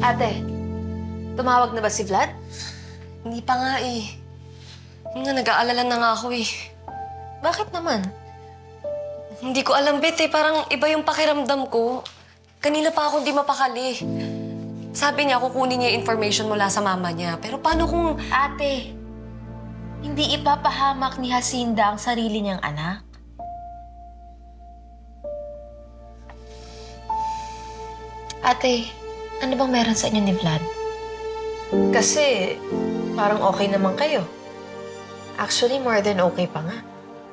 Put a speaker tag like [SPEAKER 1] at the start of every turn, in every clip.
[SPEAKER 1] Ate, tumawag na ba si Vlad?
[SPEAKER 2] Hindi pa nga eh. Nag-aalala na nga ako eh.
[SPEAKER 1] Bakit naman?
[SPEAKER 2] Hindi ko alam, Bet eh. Parang iba yung pakiramdam ko. Kanina pa ako di mapakali. Sabi niya, kukunin niya yung information mula sa mama niya. Pero paano kung...
[SPEAKER 1] Ate, hindi ipapahamak ni Jacinda ang sarili niyang anak. Ate, ano bang meron sa inyo ni Vlad? Kasi parang okay naman kayo. Actually, more than okay pa nga.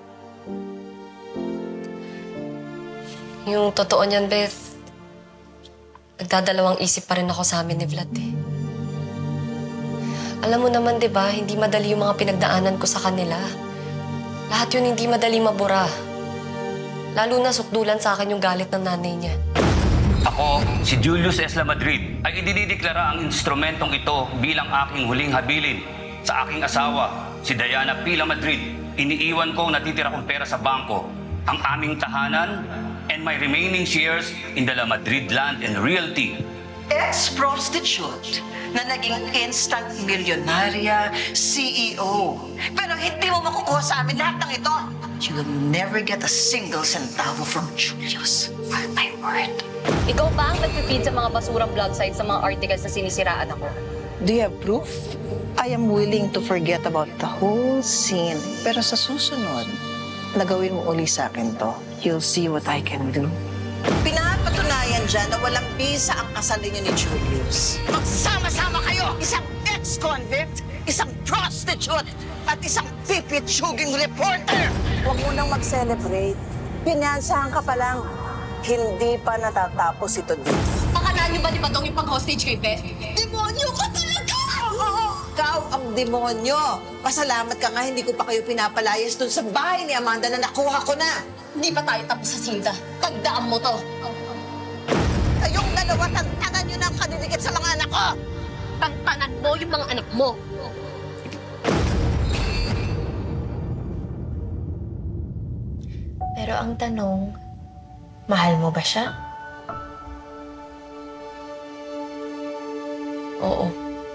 [SPEAKER 2] Yung totoo niyan, Beth, nagdadalawang isip pa rin ako sa amin ni Vlad eh. Alam mo naman, di ba, hindi madali yung mga pinagdaanan ko sa kanila. Lahat yun hindi madali mabura. Lalo na sukdulan sa akin yung galit ng nanay niya.
[SPEAKER 3] Ako, si Julius Esla Madrid, ay idinideklara ang instrumentong ito bilang aking huling habilin sa aking asawa, si Diana Pila Madrid. Iniiwan ko natitira kong pera sa bangko, ang aming tahanan, and my remaining shares in the La Madrid Land and Realty.
[SPEAKER 4] Ex-prostitute na naging instant milyonarya, CEO. Pero hindi mo makukuha sa amin lahat ng ito. You will never get a single centavo from Julius. Mark my word.
[SPEAKER 5] Ikaw ba ang nagpipid sa mga basurang blog sites sa mga articles na sinisiraan ako?
[SPEAKER 4] Do you have proof? I am willing to forget about the whole scene. Pero sa susunod, nagawin mo uli sa akin to. You'll see what I can do. Pinapatunayan dyan na walang bisa ang kasal ninyo ni Julius. Magsama-sama kayo! Isang ex-convict, isang prostitute, at isang pipitsuging reporter!
[SPEAKER 6] Huwag mo nang mag-celebrate. Pinansahan ka pa lang. Hindi pa natatapos ito dito.
[SPEAKER 5] Akalaan niyo ba ni Badong yung pag-hostage kay Beth?
[SPEAKER 4] Demonyo ka talaga! Ikaw ang demonyo! Pasalamat ka nga hindi ko pa kayo pinapalayas dun sa bahay ni Amanda na nakuha ko na!
[SPEAKER 5] Hindi pa tayo tapos sa Sinta. Tagdaan mo to.
[SPEAKER 4] Kayong dalawa, tantanan nyo na ang kaniligit sa mga anak ko!
[SPEAKER 5] Tantanan mo yung mga anak mo.
[SPEAKER 1] Pero ang tanong, mahal mo ba siya?
[SPEAKER 2] Oo.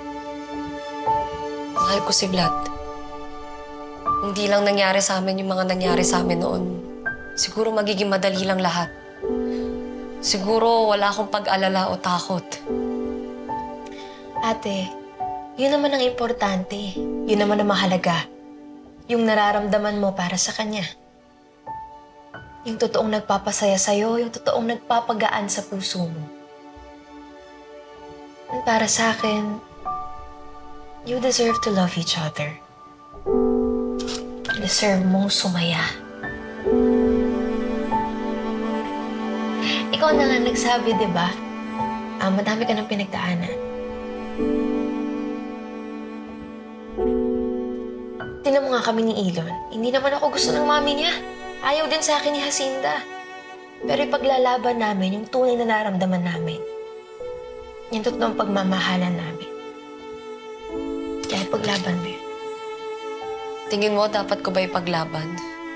[SPEAKER 2] Mahal ko si Vlad. Hindi lang nangyari sa amin yung mga nangyari sa amin noon. Siguro magiging madali lang lahat. Siguro wala akong pag-alala o takot.
[SPEAKER 1] Ate, yun naman ang importante. Yun naman ang mahalaga. Yung nararamdaman mo para sa kanya. Yung totoong nagpapasaya sa'yo, yung totoong nagpapagaan sa puso mo. And para sa akin, you deserve to love each other. Deserve mong sumaya. Ikaw na nga nagsabi, di ba? Madami ka ng pinagdaanan. Tingnan mo nga kami ni Elon. Hindi naman ako gusto ng mami niya. Ayaw din sa akin ni Jacinda. Pero ipaglalaban namin yung tunay na nararamdaman namin. Yung totoong pagmamahalan namin. Kaya paglaban mo yun.
[SPEAKER 2] Tingin mo, dapat ko ba ipaglaban?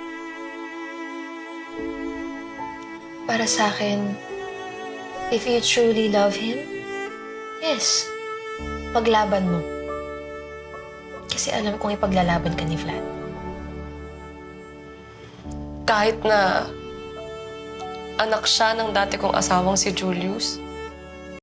[SPEAKER 1] Para sa akin, if you truly love him, yes, paglaban mo. Kasi alam kong ipaglalaban ka ni Vlad.
[SPEAKER 2] Kahit na anak siya ng dati kong asawang si Julius,